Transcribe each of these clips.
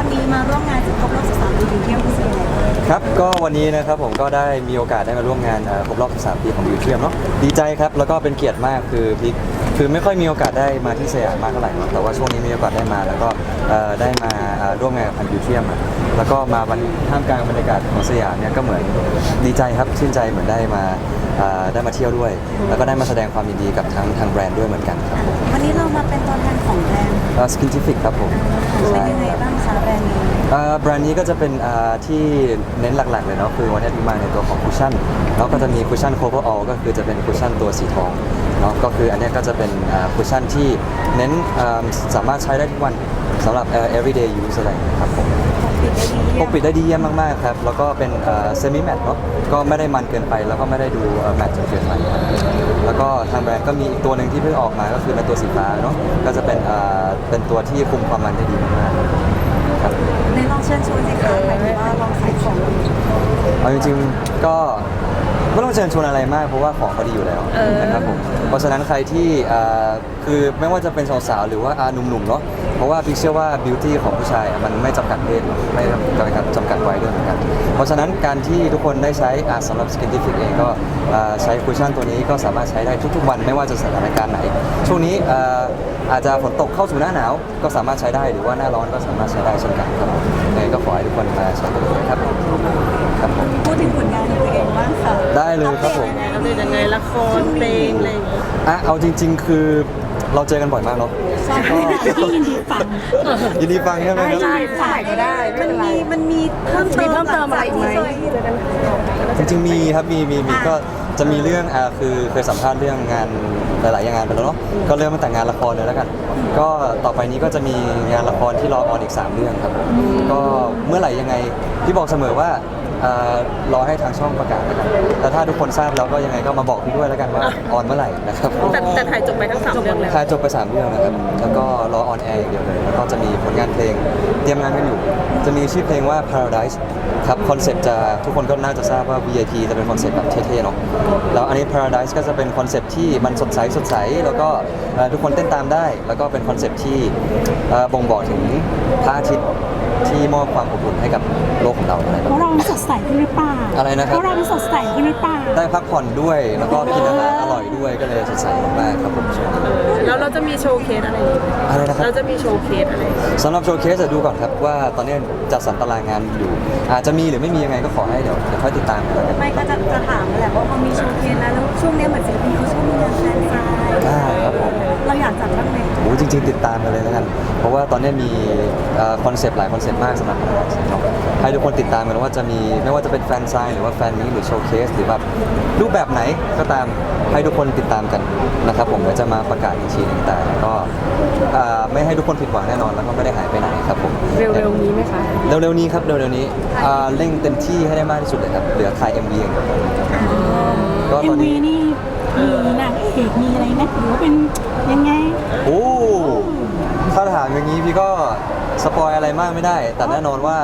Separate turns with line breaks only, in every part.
วันนี้มาร่วมงานครบรอบ13 ปีเที่ยวพิเศษ
ครับก็วันนี้นะครับผมก็ได้มีโอกาสได้มาร่วมงานครบรอบ 13 ปีของบิวเทียมเนาะดีใจครับแล้วก็เป็นเกียรติมากคือไม่ค่อยมีโอกาสได้มาที่สยามมากเท่าไหร่เนาะแต่ว่าช่วงนี้มีโอกาสได้มาแล้วก็ได้มาร่วมงานกับทางบิวเทียมแล้วก็มาท่ามกลางบรรยากาศของสยามเนี่ยก็เหมือนดีใจครับชื่นใจเหมือนได้มาเที่ยวด้วย แล้วก็ได้มาแสดงความยินดีกับทางแบรนด์ด้วยเหมือนกันครับ
วันนี้เรามาเป็นตัวแทนของแบรนด์
สกินทิฟิกครับผม
เป็นยังไงบ้างคะแบรนด์นี้
แบรนด์นี้ก็จะเป็นที่เน้นหลักๆเลยเนาะคือวันนี้มาในตัวของคุชชั่นแล้วก็จะมีคุชชั่น cover all ก็คือจะเป็นคุชชั่นตัวสีทองเนาะก็คืออันนี้ก็จะเป็นคุชชั่นที่เน้นสามารถใช้ได้ทุกวันสำหรับ everyday use อะไรครับผมปกปิดได้ดีเยี่ยมมากๆครับแล้วก็เป็นsemi matte เนาะก็ไม่ได้มันเกินไปแล้วก็ไม่ได้ดูแมตต์จนเกินไปครับแล้วก็ทางแบรนด์ก็มีอีกตัวหนึ่งที่เพิ่งออกมาก็คือเป็นตัวสีฟ้าเนาะก็จะเป็นตัวที่คุมความมันได้ดีมากๆครับ
ในลองเชิญชวนสิคะหมายถึงว่าลองขายของ
เอาจริงๆก็ไม่ต้องเชิญชวนอะไรมากเพราะว่าของเขาดีอยู่แล้วนะครับผมเพราะฉะนั้นใครที่คือไม่ว่าจะเป็นสาวๆหรือว่าหนุ่มๆเนาะเพราะว่าพี่เชื่อว่าบิวตี้ของผู้ชายมันไม่จำกัดเพศไม่จำกัดวัยด้วยเหมือนกันเพราะฉะนั้นการที่ทุกคนได้ใช้สำหรับ Skintific เองก็ใช้คุชชั่นตัวนี้ก็สามารถใช้ได้ทุกๆวันไม่ว่าจะสถานการณ์ไหนช่วงนี้อาจจะฝนตกเข้าสู่หน้าหนาวก็สามารถใช้ได้หรือว่าหน้าร้อนก็สามารถใช้ได้เช่นกันครับยังไงก็ขอให้ทุกคนมาใช้กันด้วยครับครับผม
พูดถึงผลงานของตัวเองบ้างค่ะ
ได้เลยครับผม
อัปเดตยังไงละครเพลงอะไรอย่างเงี้ย
เอาจริงๆคือเราเจอกันบ่อยมากเนาะ
ก็ยินดีฟัง
ยินดีฟังใช่ไหมครับ
ใช่ใช่ก็ได้มันมีเพิ่มเติมอะไรอีกไหม
จริงๆมีครับมีก็จะมีเรื่องคือเคยสัมภาษณ์เรื่องงานหลายๆงานไปแล้วเนาะก็เริ่มตั้งแต่งานละครเลยแล้วกันก็ต่อไปนี้ก็จะมีงานละครที่รอออนอีก3เรื่องครับก็เมื่อไหร่ยังไงพี่บอกเสมอว่ารอให้ทางช่องประกาศแล้วกันแต่ถ้าทุกคนทราบแล้วก็ยังไงก็มาบอกพี่ด้วยแล้วกันว่าออนเมื่อไหร่นะครับ
แต่ถ่ายจบไปทั้ง3เรื่องแล้ว
ถ่ายจบไป3เรื่องนะครับแล้วก็รอออนแอร์อย่างเดียวเลยแล้วก็จะมีผลงานเพลงเตรียมงานกันอยู่จะมีชื่อเพลงว่า Paradise ครับคอนเซ็ปต์จะทุกคนก็น่าจะทราบว่า VIP จะเป็นคอนเซ็ปต์แบบเท่ๆเนาะแล้วอันนี้ Paradise ก็จะเป็นคอนเซ็ปต์ที่มันสดใสแล้วก็ทุกคนเต้นตามได้แล้วก็เป็นคอนเซ็ปต์ที่บ่งบอกถึงพระอาทิตย์ที่มอบความอบอุ่นให้กับโลกของเราอะไรแบบ
เพราะเรา
นี้
สดใสขึ้นหรือเปล่า
อะไรนะครับ
เพราะเราสดใสขึ้นหรือเปล่า
ได้พักผ่อนด้วยแล้วก็กินอาหารอร่อยด้วยก็เลยสดใสมากๆครับผม
แล้วเราจะมีโชว์เคสอะไร
นะครับ
เราจะมีโชว์เคสอะไร
สำหรับโชว์เคสจะดูก่อนครับว่าตอนนี้จัดสรรตารางงานอยู่อาจจะมีหรือไม่มียังไงก็ขอให้เดี๋ยวค่อยติดตามกันแล้วกัน
ไม่ก็จะถามแหละว่าพอมีโชว์เคสแล้วช่วงนี้เหมือนศิลปินเขาชอบมีงานแฟนไซน์
ครับผม
เราอยากจัดบ้างไหม
โอ้จริงๆติดตามกันเลยแล้วกันเพราะว่าตอนนี้มีคอนเซปต์หลายคอนเซปต์มากสำหรับให้ทุกคนติดตามกันว่าจะมีไม่ว่าจะเป็นแฟนไซน์หรือว่าแฟนมีหรือโชว์เคสหรือแบบรูปแบบไหนก็ตามให้ทุกคนติดตามกันนะครับผมก็จะมาประกาศอีกทีนึงแต่ก็ไม่ให้ทุกคนผิดหวังแน่นอนแล้วก็ไม่ได้หายไปไหนครับผม
เร็วๆนี้ไหมคะ
เร็วๆนี้ครับเร็วๆนี้เร่งเต็มที่ให้ได้มากที่สุดเลยครับเหลือถ่าย MV อย่างเดียว
ก็ตอนนี้นี่มีนางเอกมีอะไรนะหรือว่าเป็นยังไง
โอ้ถ้าถามอย่างนี้พี่ก็สปอยอะไรมากไม่ได้แต่แน่นอนว่า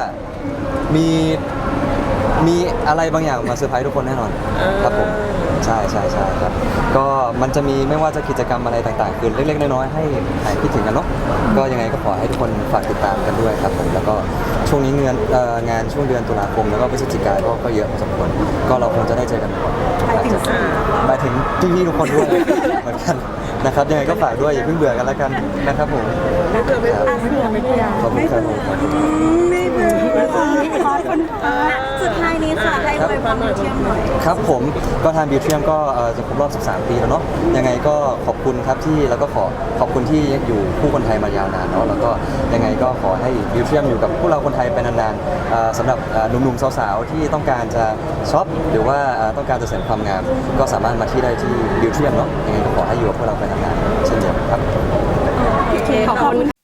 มีอะไรบางอย่างมาเซอร์ไพรส์ทุกคนแน่นอนครับผมใช่ครับก็มันจะมีไม่ว่าจะกิจกรรมอะไรต่างๆคือเล็กๆน้อยๆให้หายคิดถึงกันเนาะก็ยังไงก็ขอให้ทุกคนฝากติดตามกันด้วยครับผมแล้วก็ช่วงนี้งานช่วงเดือนตุลาคมแล้วก็พฤศจิกายนก็เยอะพอสมควรก็เราคงจะได้เจอกันบ่อยหมายถึงพี่ๆทุกคนด้วยเหมือนกันนะครับยังไงก็ฝากด้วยอย่าเพิ่งเบื่อกันแล้วกันนะครับผม
ไม่เบื่อ
ขอบคุณครับผม
ไม่เบื่อขอบคุณสุดท้ายนี้ค่ะให้อวยพรบิวเทียมหน่อย
ครับผมก็ทางบิวเทียมก็จะครบรอบ13 ปีแล้วเนาะยังไงก็ขอบคุณครับที่แล้วก็ขอบคุณที่อยู่คู่คนไทยมายาวนานเนาะแล้วก็ยังไงก็ขอให้บิวเทียมอยู่กับพวกเราคนไทยไปนานๆสำหรับหนุ่มๆสาวๆที่ต้องการจะช็อปหรือว่าต้องการจะเสริมความงามก็สามารถมาที่ได้ที่บิวเทียมเนาะยังไงก็ขอให้อยู่กับพวกเราไปนานๆเช่นเดียวกันครับ
ขอบคุณ